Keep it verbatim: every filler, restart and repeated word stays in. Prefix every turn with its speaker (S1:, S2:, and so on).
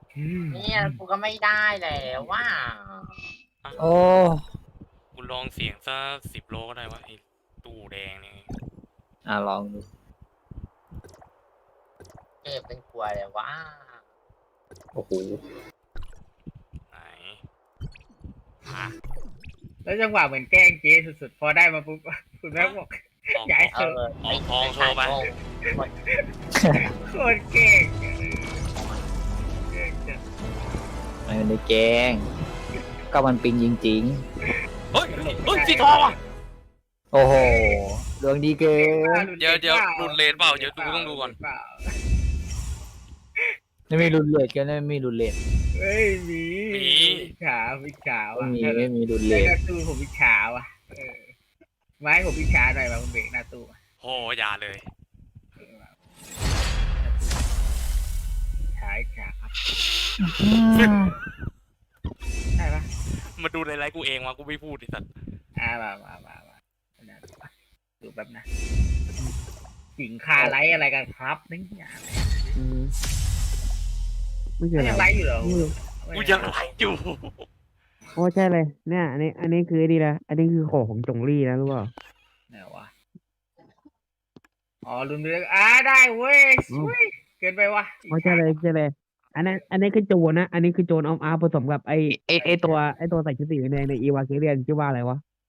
S1: เนี่ยกูก็ไม่ได้แล้วว่า
S2: โอ้
S3: กูลองเสียงสักสิบโลก็ได้วะไอ้ตู้แดงนี่
S2: อ่ะลองดู
S1: เก็บเป็นกลัวเลยว่า
S2: โอ้โห
S3: ไหนอ่ะ
S4: แล้วจังหวะเหมือนแกล้งเจ๊สุดๆพอได้มาปุ๊บคุณแม่บอก
S3: ออก
S4: ย้าย
S1: เอ
S4: เถอะ
S1: อ
S3: ออกทองโชว์ไป
S4: โคตรเก่งเก่งจัง
S2: ไม่ได้แกล้งก็มันปิงจริง
S3: เฮ้ยเฮ้ยสีทองอ่ะ
S2: ๆ โอ้โหดวงดีเกิน
S3: เดี๋ยวเดี๋ยวหลุดเลนเปล่าเดี๋ยวดูต้องดูก่อน
S2: ไม่มีรุนเลทกันไม่มีรุนเลท
S4: เฮ้ยมีวิชาวิชา
S2: ไม่
S4: ว่ะ
S2: มีไม่มีรุนเล
S4: ห
S2: ท
S4: น้าตู้ผมวิชาว่ะเออไม้ผมวิชาหน่อยมาคุณเบรกหน้าตู้
S3: โหอย่าเลย
S4: ฉายฉาครับใช่ปะ
S3: มาดูในไลฟ์กูเองวะกูไม่พูดไอ้สัตว์
S4: อ่ามามามามาดูแป๊บนะหญิงคาไลท์อะไรกันครับนี่อย่างไร
S5: ไม่ใช่
S4: ก็ยังไลท์อยู่เหรอ
S3: กูยังไลฟ์อยู่
S5: โอ้ใช่เลยเนี่ยอันนี้อันนี้คือดีนะอันนี้คือของของจงลี่นะรู้เปล่า
S4: ไหนวะอ๋อรุนเรื่องอ่าได้เว้ยช่วยเกินไปวะ
S5: โอ้ใช่เลยใช่เลยอันนั้นอันนี้คือโจรนะอันนี้คือโจรออมอาร์ผสมกับไอไอไอตัวไอตัวใส่ชุดสีแดงในอีวาเกเรียนชื่อว่าอะไรวะ